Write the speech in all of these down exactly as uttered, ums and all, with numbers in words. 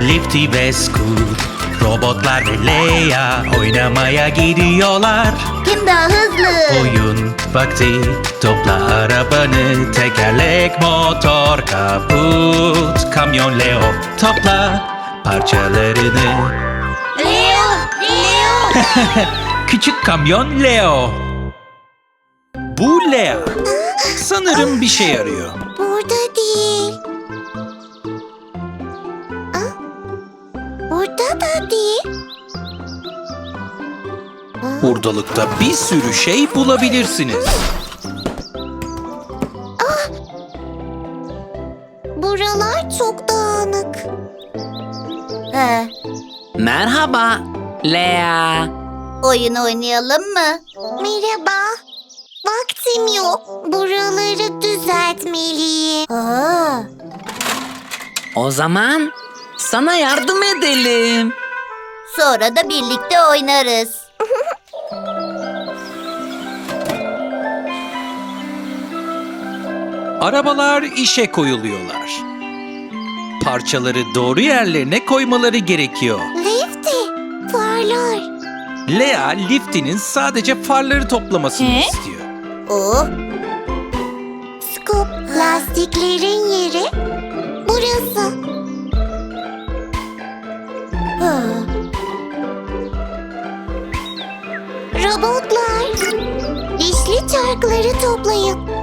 Lifty ve Scoot, robotlar ve Leia oynamaya gidiyorlar. Kim daha hızlı? Oyun vakti, topla arabanı, tekerlek, motor, kaput, kamyon Leo, topla parçalarını. Leo! Leo! Küçük kamyon Leo. Bu Lea. Sanırım bir şey arıyor. Burada değil. Ah, burada da değil. Hurdalıkta bir sürü şey bulabilirsiniz. Buralar çok dağınık. He, Merhaba, Lea. oyun oynayalım mı? Merhaba. Vaktim yok. Buraları düzeltmeliyim. Aa, O zaman sana yardım edelim. sonra da birlikte oynarız. Arabalar işe koyuluyorlar. Parçaları doğru yerlerine koymaları gerekiyor. Lifty, farlar. Lea, Lifty'nin sadece farları toplamasını istiyor. Oh. Scoop, lastiklerin yeri burası. Ha. Robotlar, dişli çarkları toplayın.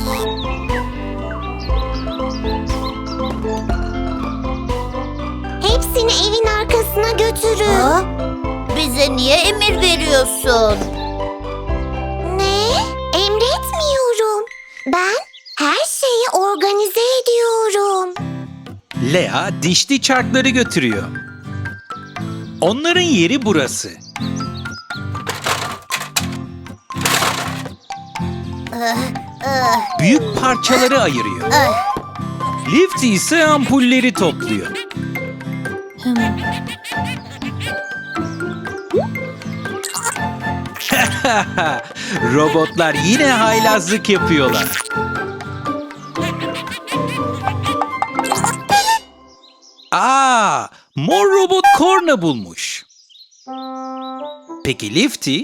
Hepsini evin arkasına götürün. Bize niye emir veriyorsun? Ne? Emretmiyorum. Ben her şeyi organize ediyorum. Lea, dişli çarkları götürüyor. Onların yeri burası. Büyük parçaları ayırıyor. Lifty ise ampulleri topluyor. Robotlar yine haylazlık yapıyorlar. Aa, mor robot korna bulmuş. Peki Lifty?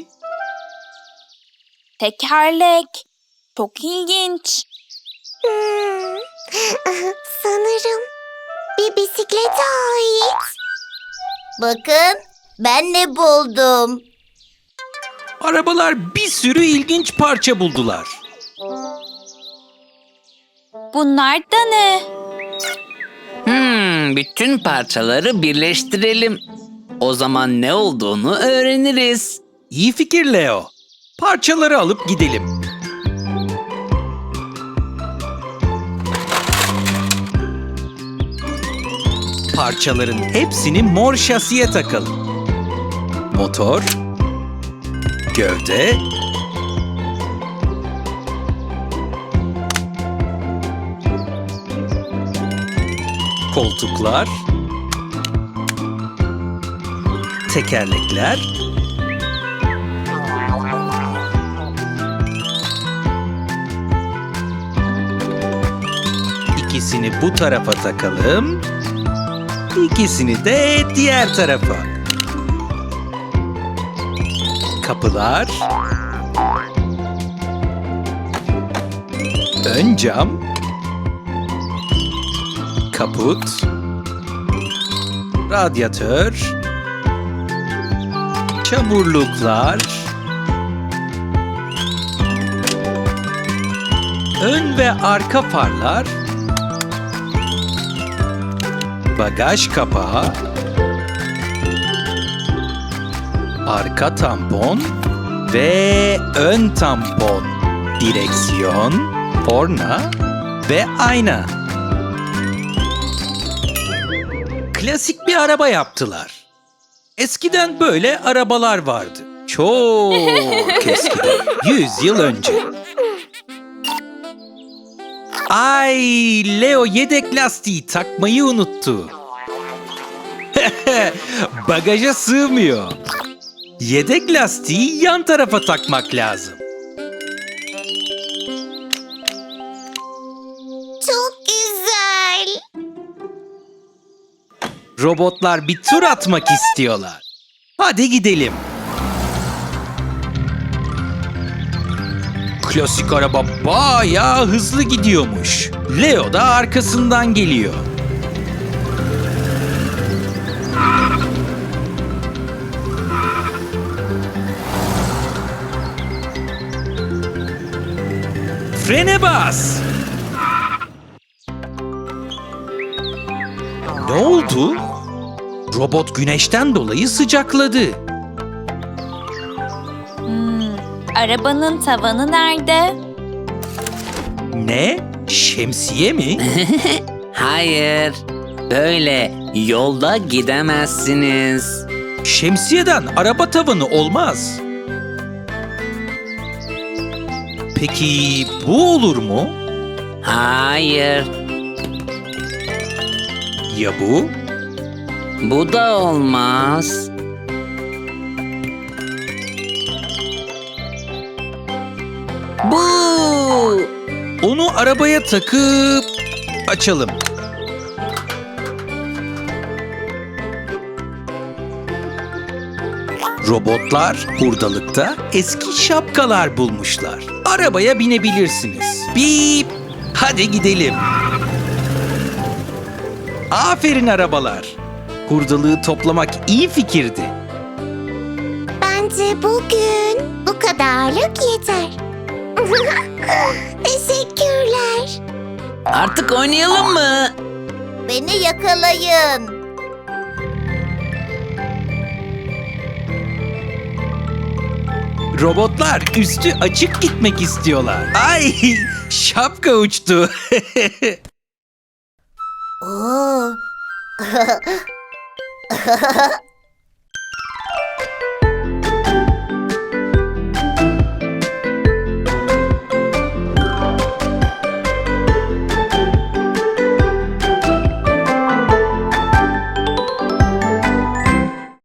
Tekerlek. Çok ilginç. Hmm. Sanırım bir bisiklete ait. Bakın, ben ne buldum. Arabalar bir sürü ilginç parça buldular. Bunlar da ne? Hmm, bütün parçaları birleştirelim. O zaman ne olduğunu öğreniriz. İyi fikir Leo. Parçaları alıp gidelim. Parçaların hepsini mor şasiye takalım. Motor, gövde, koltuklar, tekerlekler, İkisini bu tarafa takalım. İkisini de diğer tarafa. Kapılar. Ön cam. Kaput. Radyatör. Çamurluklar. Ön ve arka farlar. Bagaj kapağı, arka tampon ve ön tampon, direksiyon, korna ve ayna. Klasik bir araba yaptılar. Eskiden böyle arabalar vardı. Çok eskiden, yüz yıl önce. Ay, Leo yedek lastiği takmayı unuttu. Bagaja sığmıyor. Yedek lastiği yan tarafa takmak lazım. Çok güzel. Robotlar bir tur atmak istiyorlar. Hadi gidelim. Klasik araba bayağı hızlı gidiyormuş. Leo da arkasından geliyor. Frene bas. Ne oldu? Robot güneşten dolayı sıcakladı. Hmm, arabanın tavanı nerede? Ne? Şemsiye mi? Hayır. Böyle yolda gidemezsiniz. Şemsiyeden araba tavanı olmaz. Peki bu olur mu? Hayır. Ya bu? Bu da olmaz. Bu. Onu arabaya takıp açalım. Robotlar hurdalıkta eski şapkalar bulmuşlar. Arabaya binebilirsiniz. Bip! Hadi gidelim. Aferin arabalar. Hurdalığı toplamak iyi fikirdi. Bence bugün bu kadarlık yeter. Teşekkürler. Artık oynayalım mı? Beni yakalayın. Robotlar üstü açık gitmek istiyorlar. Ay, şapka uçtu. Oo.